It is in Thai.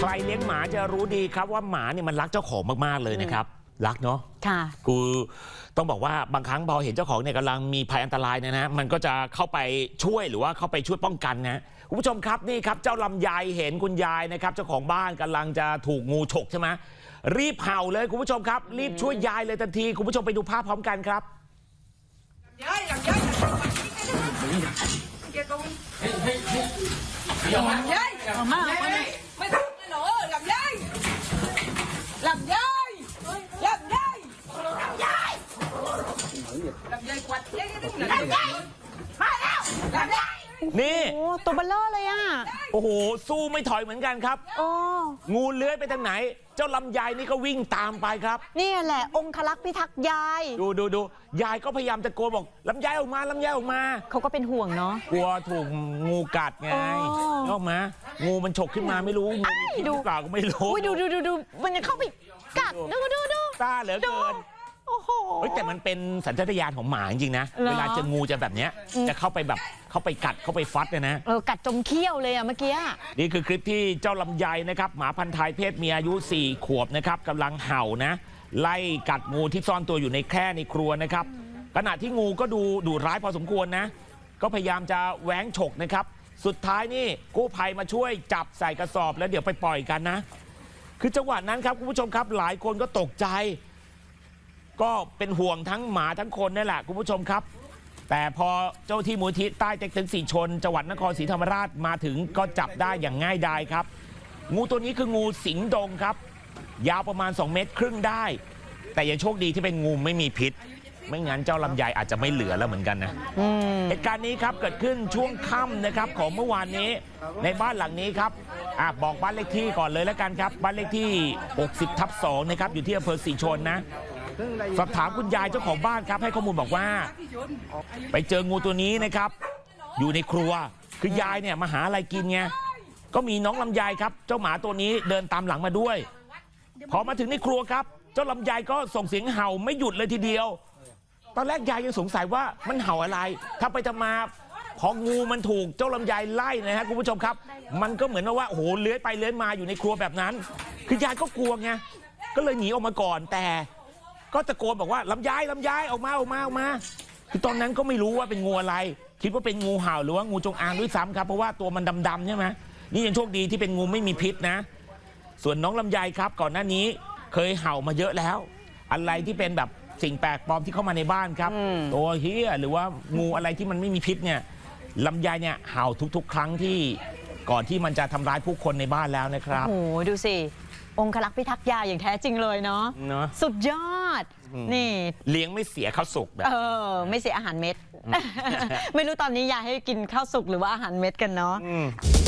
ใครเลี้ยงหมาจะรู้ดีครับว่าหมาเนี่ยมันรักเจ้าของมากๆเลยนะครับรักเนาะค่ะกูต้องบอกว่าบางครั้งพอเห็นเจ้าของเนี่ยกำลังมีภัยอันตรายนะมันก็จะเข้าไปช่วยหรือว่าเข้าไปช่วยป้องกันนะคุณผู้ชมครับนี่ครับเจ้าลำไยเห็นคุณยายนะครับเจ้าของบ้านกำลังจะถูกงูฉกใช่ไหมรีบเห่าเลยคุณผู้ชมครับรีบช่วยยายเลยทันทีคุณผู้ชมไปดูภาพพร้อมกันครับยายลำไยเอามาไม่ถูกเลยเหรอลำไยลำไยลำไยลำไยลำไยกวัดลำไยมาแล้วลำไยนี่โอ้ตัวเบลเลอร์เลยอ่ะโอ้โหสู้ไม่ถอยเหมือนกันครับโอ้งูเลื้อยไปทางไหนเจ้าลำไยนี่ก็วิ่งตามไปครับนี่แหละองครักษ์พิทักษ์ยายดูยายก็พยายามตะโกนบอกลำไยออกมาลำไยออกมาเขาก็เป็นห่วงเนาะกลัวถูกงูกัดไงออกมางูมันฉกขึ้นมาไม่รู้งูมีพิษหรือเปล่าก็ไม่รู้ดูมันจะเข้าไปกัดดูกล้าเหลือเกินโอ้โหแต่มันเป็นสัญชาตญาณของหมาจริงๆนะเวลาเจองูจะแบบเนี้ยจะเข้าไปแบบเข้าไปกัดเข้าไปฟัดนะกัดจมเขี้ยวเลยอะเมื่อกี้นี่คือคลิปที่เจ้าลำไยนะครับหมาพันธุ์ไทยเพศเมียอายุ4 ขวบนะครับกำลังเห่านะไล่กัดงูที่ซ่อนตัวอยู่ในแคร่ในครัวนะครับขณะที่งูก็ดูดุร้ายพอสมควรนะก็พยายามจะแหวงฉกนะครับสุดท้ายนี่กู้ภัยมาช่วยจับใส่กระสอบแล้วเดี๋ยวไปปล่อยกันนะคือจังหวะนั้นครับคุณผู้ชมครับหลายคนก็ตกใจก็เป็นห่วงทั้งหมาทั้งคนนั่นแหละคุณผู้ชมครับแต่พอเจ้าที่มูลที่ใต้เต็กตึงสีชนจังหวัดนครศรีธรรมราชมาถึงก็จับได้อย่างง่ายดายครับงูตัวนี้คืองูสิงดงครับยาวประมาณ2 เมตรครึ่งได้แต่ยังโชคดีที่เป็นงูไม่มีพิษไม่งั้นเจ้าลำไยอาจจะไม่เหลือแล้วเหมือนกันนะเหตุการณ์นี้ครับเกิดขึ้นช่วงค่ำนะครับของเมื่อวานนี้ในบ้านหลังนี้ครับบอกบ้านเลขที่ก่อนเลยแล้วกันครับบ้านเลขที่60/2นะครับอยู่ที่อำเภอสีชนนะสอบถามคุณยายเจ้าของบ้านครับให้ข้อมูลบอกว่าไปเจองูตัวนี้นะครับอยู่ในครัวคือยายเนี่ยมาหาอะไรกินไงก็มีน้องลำไยครับเจ้าหมาตัวนี้เดินตามหลังมาด้วยพอมาถึงในครัวครับเจ้าลำไยก็ส่งเสียงเห่าไม่หยุดเลยทีเดียวตอนแรกยายยังสงสัยว่ามันเห่าอะไรถ้าไปจะมาพองูมันถูกเจ้าลำไยไล่นะฮะคุณผู้ชมครับมันก็เหมือนว่าโอ้โหเลื้อยไปเลื้อยมาอยู่ในครัวแบบนั้นคือยายก็กลัวไงก็เลยหนีออกมาก่อนแต่ก็ตะโกนบอกว่าลำไยออกมาคือตอนนั้นก็ไม่รู้ว่าเป็นงูอะไรคิดว่าเป็นงูเห่าหรือว่างูจงอางด้วยซ้ำครับเพราะว่าตัวมันดำๆใช่ไหมนี่ยังโชคดีที่เป็นงูไม่มีพิษนะส่วนน้องลำไยครับก่อนหน้านี้เคยเห่ามาเยอะแล้วอะไรที่เป็นแบบสิ่งแปลกปลอมที่เข้ามาในบ้านครับตัวเหี้ยหรือว่างูอะไรที่มันไม่มีพิษเนี่ยลำไยเนี่ยเห่าทุกๆครั้งที่ก่อนที่มันจะทำร้ายผู้คนในบ้านแล้วนะครับโอ้โหดูสิองครักษ์พิทักษ์ยาอย่างแท้จริงเลยเนาะสุดยอดนี่เลี้ยงไม่เสียข้าวสุกแบบไม่เสียอาหารเม็ด ไม่รู้ตอนนี้ยายให้กินข้าวสุกหรือว่าอาหารเม็ดกันเนาะ